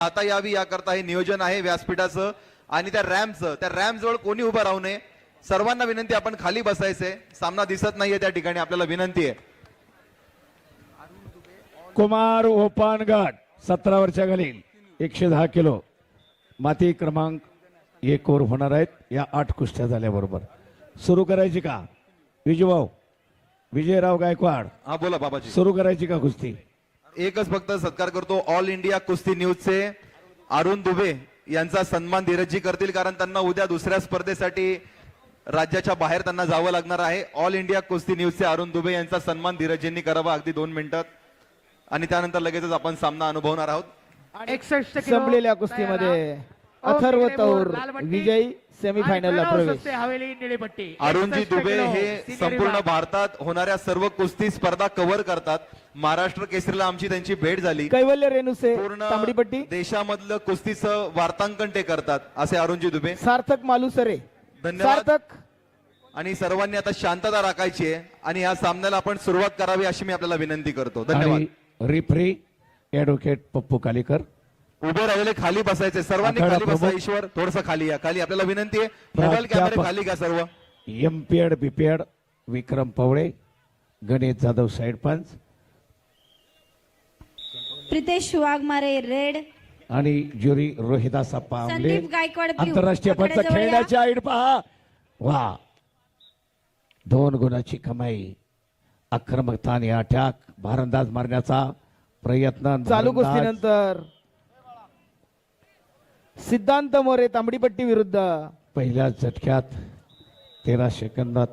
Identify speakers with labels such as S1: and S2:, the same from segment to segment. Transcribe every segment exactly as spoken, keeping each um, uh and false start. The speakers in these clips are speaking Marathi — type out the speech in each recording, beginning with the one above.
S1: आता यावी याकरता हे नियोजन आहे व्यासपीठाचं आणि त्या रॅम्पचं. त्या रॅम्प जवळ कोणी उभं राहू नये. सर्वांना विनंती, आपण खाली बसायचंय. सामना दिसत नाहीये त्या ठिकाणी, आपल्याला विनंती आहे.
S2: कुमार ओपानगड सतरा वर्षा खालील एकशे दहा किलो माती क्रमांक एक वर होणार आहेत. या आठ कुस्त्या झाल्याबरोबर सुरू करायची का विजयभाऊ? विजयराव गायकवाड,
S1: हा बोला बाबाजी.
S2: सुरू करायची का कुस्ती?
S1: एकच फक्त सत्कार करतो. ऑल इंडिया कुस्ती न्यूजचे अरुण दुबे यांचा सन्मान धीरजजी करतील, कारण त्यांना उद्या दुसऱ्या स्पर्धेसाठी राज्याच्या बाहेर त्यांना जावं लागणार आहे. ऑल इंडिया कुस्ती न्यूजचे अरुण दुबे यांचा सन्मान धीरजजींनी करावा अगदी दोन मिनिटात, आणि त्यानंतर लगेचच आपण सामना अनुभवणार आहोत.
S3: एकसष्ट किलो
S4: संपलेल्या कुस्तीमध्ये अथर्व तौर विजयी सेमीफायनलला प्रवेश.
S3: हवेली निळीपट्टी.
S1: अरुणजी दुबे हे संपूर्ण भारतात होणाऱ्या सर्व कुस्ती स्पर्धा कव्हर करतात. महाराष्ट्र केसरीला आमची त्यांची भेट झाली.
S4: कैवल्य रेणुसे
S1: पूर्ण
S4: तांबडीपट्टी.
S1: देशामधलं कुस्तीचं वार्तांकन ते करतात असे अरुणजी दुबे.
S4: सार्थक मालुसरे.
S1: धन्यवाद.
S4: सार्थक.
S1: आणि सर्वांनी आता शांतता राखायची आहे आणि या सामन्याला आपण सुरुवात करावी अशी मी आपल्याला विनंती करतो. धन्यवाद.
S2: Referee advocate Pappu Kalikar.
S1: उभे राहिले, खाली बसायचे सर्वांनी.
S2: आखाडा
S1: खाली बसा.
S2: प्रमुख.
S1: ईश्वर थोडस खाली या. खाली आपल्याला विनंती आहे. मोबाईल कॅमेरे
S2: प्राध्यापक.
S1: खाली घ्या सर्व.
S2: MPEd BPEd Vikram Pawale, Ganesh Jadhav side पंच
S5: प्रितेश वाघमारे रेड
S2: आणि ज्युरी रोहिदास अप्पा आमले.
S5: संदीप गायकवाड ब्ल्यू.
S2: आंतरराष्ट्रीय पंच
S5: आखाड्याजवळ या.
S2: खेळण्याची आईड पहा. वा, दोन गुणाची कमाई. आक्रमकता आणि अटॅक, भारंदाज मारण्याचा प्रयत्न.
S4: चालू
S2: भारंदाज.
S4: कुस्तीनंतर सिद्धांत मोरे तांबडीपट्टी विरुद्ध
S2: पहिल्या झटक्यात तेरा सेकंदात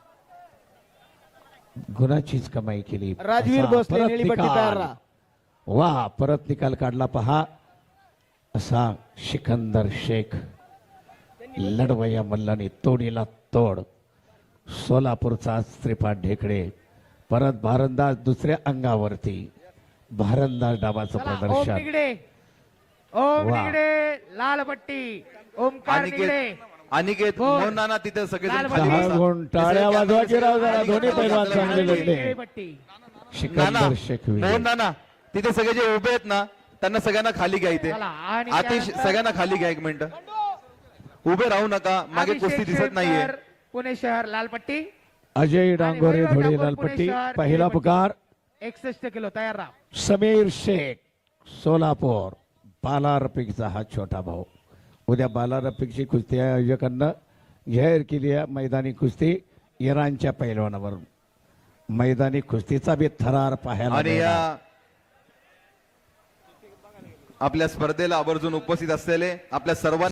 S2: गुणाचीच कमाई केली.
S4: राजवीर
S2: असा
S4: भोसले
S2: परत
S4: निळीपट्टी
S2: निकाल.
S4: तयार राहा.
S2: वा, परत निकाल काढला पहा. असा सिकंदर शेख लढवया मल्लाने तोडीला तोड. सोलापूरचा श्रीपाद ढेकळे परत भारंदाज दुसऱ्या अंगावरती. भारंदाज डाबाचं
S3: चला, ओम
S2: प्रदर्शन.
S3: निगडे. ओम
S2: वा.
S3: निगडे लाल पट्टी. ओमकार निगडे.
S1: अनिकेत अनिकेत
S3: बोल.
S1: मोहन नाना तिथे सगळेजण
S3: लाल
S1: खाली
S2: दहा
S1: बसा.
S2: गुण टाळ्या
S1: तिथे
S2: वाजवा की राव जरा.
S1: खाली
S2: दोन्ही
S1: बसा.
S2: पैलवान
S1: खाली
S2: चांगले
S1: बसा.
S2: लढले.
S3: निळीपट्टी.
S2: सिकंदर
S1: नाना,
S2: शेख विजय.
S1: मोहन नाना तिथे सगळे जे उभे आहेत ना त्यांना सगळ्यांना खाली घ्या. इथे
S3: चला, आणि
S1: आतिश
S3: त्यानंतर-
S1: सगळ्यांना खाली घ्या. एक मिनिट उभे राहू नका. मागे
S3: अभिषेक
S1: कुस्ती दिसत
S3: शेटकर,
S1: नाहीये.
S3: पुणे शहर लालपट्टी.
S2: अजय डांगोरे
S3: वैभव
S2: धुळे
S3: ठाकूर,
S2: लालपट्टी.
S3: पुणे शहर,
S2: पहिला
S3: निळीपट्टी.
S2: पुकार
S3: एकसष्ट किलो तयार राहा.
S2: समीर शेख सोलापूर. बाला रफिकचा हा छोटा भाऊ. उद्या बाला रफिकची कुस्ती आयोजकांना जाहीर केली आहे. मैदानी कुस्ती इराणच्या पैलवानावर. मैदानी कुस्तीचा बी थरार पाहायला
S1: आणि
S2: मिळणार.
S1: या आपल्या स्पर्धेला आवर्जून उपस्थित असलेले आपल्या सर्वांना